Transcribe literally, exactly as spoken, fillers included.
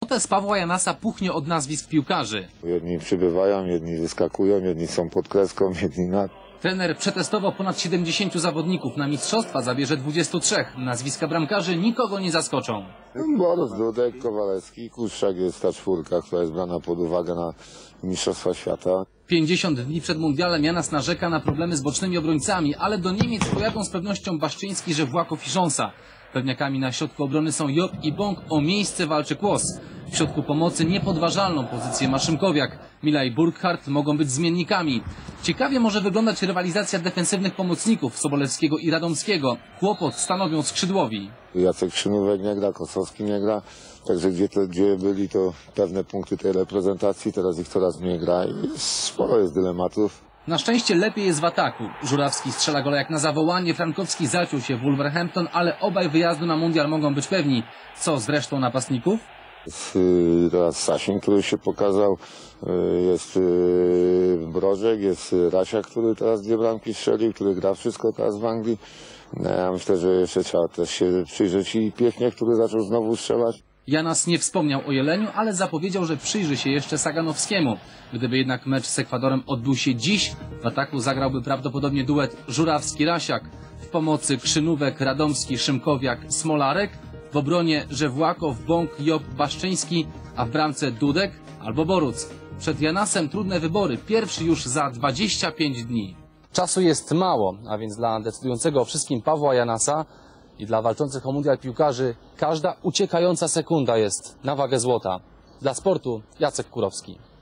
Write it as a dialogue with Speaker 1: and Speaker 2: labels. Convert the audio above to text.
Speaker 1: Notes Pawła Janasa puchnie od nazwisk piłkarzy.
Speaker 2: Jedni przybywają, jedni wyskakują, jedni są pod kreską, jedni nad.
Speaker 1: Trener przetestował ponad siedemdziesięciu zawodników. Na mistrzostwa zabierze dwudziestu trzech. Nazwiska bramkarzy nikogo nie zaskoczą.
Speaker 2: Borys, Dudek, Kowalewski, Kuszczak jest ta czwórka, która jest brana pod uwagę na Mistrzostwa Świata.
Speaker 1: pięćdziesiąt dni przed mundialem Janas narzeka na problemy z bocznymi obrońcami, ale do Niemiec pojadą z pewnością Baszczyński, Żewłakow i Szonsa. Pewniakami na środku obrony są Job i Bąk, o miejsce walczy Kłos. W środku pomocy niepodważalną pozycję ma Szymkowiak. Mila i Burkhardt mogą być zmiennikami. Ciekawie może wyglądać rywalizacja defensywnych pomocników Sobolewskiego i Radomskiego. Kłopot stanowią skrzydłowi.
Speaker 2: Jacek Krzynówek nie gra, Kosowski nie gra. Także gdzie, to, gdzie byli to pewne punkty tej reprezentacji, teraz ich coraz mniej gra i sporo jest dylematów.
Speaker 1: Na szczęście lepiej jest w ataku. Żurawski strzela gola jak na zawołanie, Frankowski zaciął się w Wolverhampton, ale obaj wyjazdu na mundial mogą być pewni. Co z resztą napastników?
Speaker 2: Jest teraz Sasin, który się pokazał, jest Brożek, jest Rasiak, który teraz dwie bramki strzelił, który gra wszystko teraz w Anglii. Ja myślę, że jeszcze trzeba też się przyjrzeć i Piechnie, który zaczął znowu strzelać.
Speaker 1: Janas nie wspomniał o Jeleniu, ale zapowiedział, że przyjrzy się jeszcze Saganowskiemu. Gdyby jednak mecz z Ekwadorem odbył się dziś, w ataku zagrałby prawdopodobnie duet Żurawski-Rasiak. W pomocy Krzynówek, Radomski, Szymkowiak, Smolarek. W obronie Żewłakow, Bąk, Job, Baszczyński, a w bramce Dudek albo Boruc. Przed Janasem trudne wybory, pierwszy już za dwadzieścia pięć dni. Czasu jest mało, a więc dla decydującego o wszystkim Pawła Janasa i dla walczących o mundial piłkarzy każda uciekająca sekunda jest na wagę złota. Dla sportu Jacek Kurowski.